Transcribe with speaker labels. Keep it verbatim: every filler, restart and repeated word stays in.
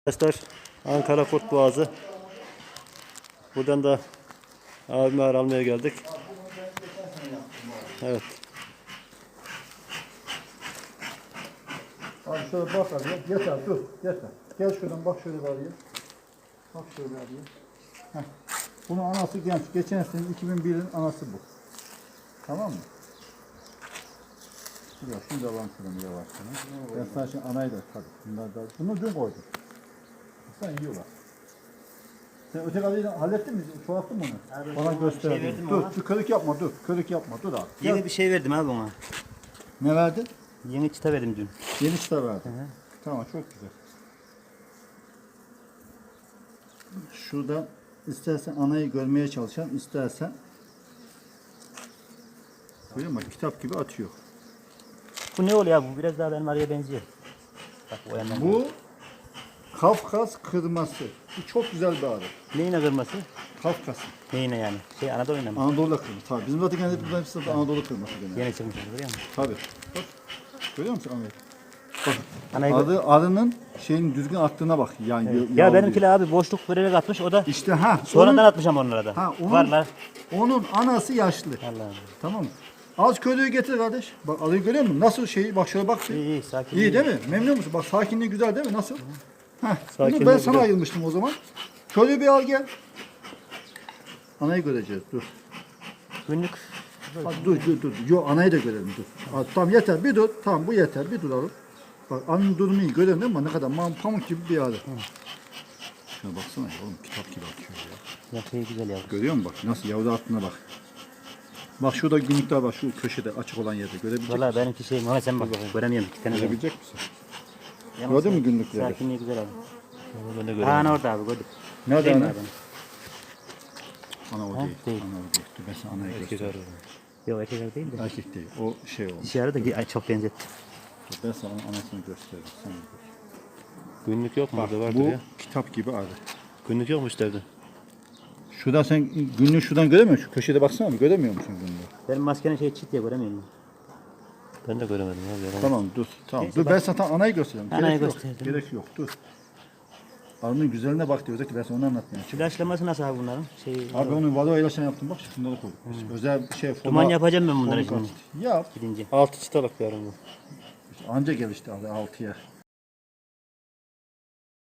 Speaker 1: Arkadaşlar Ankara Kurt Boğazı. Buradan da abime ağır almaya geldik. Evet.
Speaker 2: Abi şöyle bak abi. Yeter dur. Yeter. Gel şuradan bak şöyle bir araya. Bak şöyle bir araya. Heh. Bunun anası genç. Geçen sene iki bin birin anası bu. Tamam mı? Ya şunu da alalım şuradan yavaş sana. Ben sana şimdi anayı da tabii. Bunlar da. Bunu dün koydum. Sen yiyorlar. Sen öteki adayı hallettin mi? Çoğalttın mı onu?
Speaker 3: Abi,
Speaker 2: bana göster.
Speaker 3: şey verdim
Speaker 2: dur,
Speaker 3: ona.
Speaker 2: dur körük yapma dur. Körük yapma dur abi.
Speaker 3: Yeni
Speaker 2: Gel.
Speaker 3: bir şey verdim abi ona.
Speaker 2: Ne verdin?
Speaker 3: Yeni çıta verdim dün.
Speaker 2: Yeni çıta verdin.
Speaker 3: Hı hı.
Speaker 2: Tamam çok güzel. Şuradan istersen anayı görmeye çalışan, istersen görüyor musun? Kitap gibi atıyor.
Speaker 3: Bu ne oluyor abi? Bu biraz daha benim araya benziyor. Bak o yandan.
Speaker 2: Bu Kafkas kırması. Bu çok güzel bir arı.
Speaker 3: Neyine kırması?
Speaker 2: Kafkas.
Speaker 3: Neyine yani? Şey Anadolu'yla mı?
Speaker 2: Anadolu kırması. Tabii bizim zaten kendi bunların hepsi de Anadolu kırması genelde.
Speaker 3: Yeni çıkmış görüyor musun?
Speaker 2: Tabii. Bak. Görüyor musun Ahmet? Bak.
Speaker 3: Anayı
Speaker 2: Arı, arının şeyin düzgün attığına bak. Yani
Speaker 3: Evet.
Speaker 2: ya
Speaker 3: Ya benimkiler abi boşluk vererek atmış o da
Speaker 2: İşte ha.
Speaker 3: sonradan
Speaker 2: onun-
Speaker 3: atmış ama onlara da.
Speaker 2: Ha, onun-
Speaker 3: Varlar.
Speaker 2: Onun anası yaşlı.
Speaker 3: Allah'ım.
Speaker 2: Tamam mı? Az köylüyü getir kardeş. Bak arıyı görüyor musun? Nasıl şey? Bak şöyle bak.
Speaker 3: İyi iyi sakin.
Speaker 2: İyi değil mi? Memnun musun? Bak sakinliği güzel değil mi? Nasıl? Heh, bunu
Speaker 1: Sakinliği
Speaker 2: ben sana
Speaker 1: güzel.
Speaker 2: ayırmıştım o zaman. Köylüyü bir al gel. Anayı göreceğiz. Dur.
Speaker 3: Günlük
Speaker 2: Bak, dur dur dur. Yo anayı da görelim dur. Al, tamam yeter. Bir dur. Tamam bu yeter. Bir duralım. Bak anın durumu iyi. Görelim değil mi? Ne kadar mam pamuk gibi bir arı. Şuna baksana ya oğlum kitap gibi atıyor ya.
Speaker 3: ya şey güzel ya.
Speaker 2: Görüyor musun bak nasıl yavru attığına bak. Bak şurada günlükler var şu köşede açık olan yerde görebilecek
Speaker 3: Valla
Speaker 2: misin?
Speaker 3: benimki şey Muhammed sen bak göremiyorum iki tane. var.
Speaker 2: Görebilecek misin?
Speaker 3: Yalnız
Speaker 2: Gördün mü günlükleri?
Speaker 3: Sakinliği güzel abi.
Speaker 1: Ben de
Speaker 3: Aa
Speaker 1: görüyorum.
Speaker 3: ne orada abi gördük.
Speaker 2: Nerede
Speaker 3: Değil mi
Speaker 2: ana?
Speaker 3: abi?
Speaker 2: Ana o
Speaker 3: Ha,
Speaker 2: değil.
Speaker 3: değil.
Speaker 2: Ana o değil. Dur ben sana anayı
Speaker 1: Erkek
Speaker 2: göstereyim.
Speaker 1: arı.
Speaker 3: Yok erkek değil de.
Speaker 2: Erkek değil. O şey olmuş.
Speaker 3: Dişi arı da ay, çok benzetti.
Speaker 2: Dur ben sana anasını göstereyim. Sen gör.
Speaker 1: Günlük yok mu?
Speaker 2: Bak
Speaker 1: Burada vardır
Speaker 2: bu
Speaker 1: ya.
Speaker 2: kitap gibi arı.
Speaker 1: Günlük yok mu işlerde?
Speaker 2: Şuradan sen günlüğü şuradan göremiyor musun? Şu köşede baksana mı? Göremiyor musun günlüğü?
Speaker 3: Benim maskenin şey çit diye göremiyorum.
Speaker 1: Ben de göremedim abi. Yalan.
Speaker 2: Tamam dur. Tamam.
Speaker 3: Neyse,
Speaker 2: Dur
Speaker 3: bak.
Speaker 2: ben sana anayı göstereyim.
Speaker 3: Anayı
Speaker 2: Gerek yok.
Speaker 3: gösterdim.
Speaker 2: Gerek yok. Dur. Arının güzelliğine bak diyor. Özellikle ben sana onu anlatmaya çalışıyorum.
Speaker 3: İlaçlaması nasıl abi bunların? Şey,
Speaker 2: Abi onu vado ilaçını yaptım bak. Şunları koyduk. biz. Özel bir şey.
Speaker 3: duman
Speaker 2: forma-
Speaker 3: yapacağım ben bunları
Speaker 2: forma-
Speaker 3: şimdi
Speaker 2: Yap.
Speaker 3: gidince.
Speaker 1: Altı çıtalık bir arı bu.
Speaker 2: Anca gelişti abi altıya.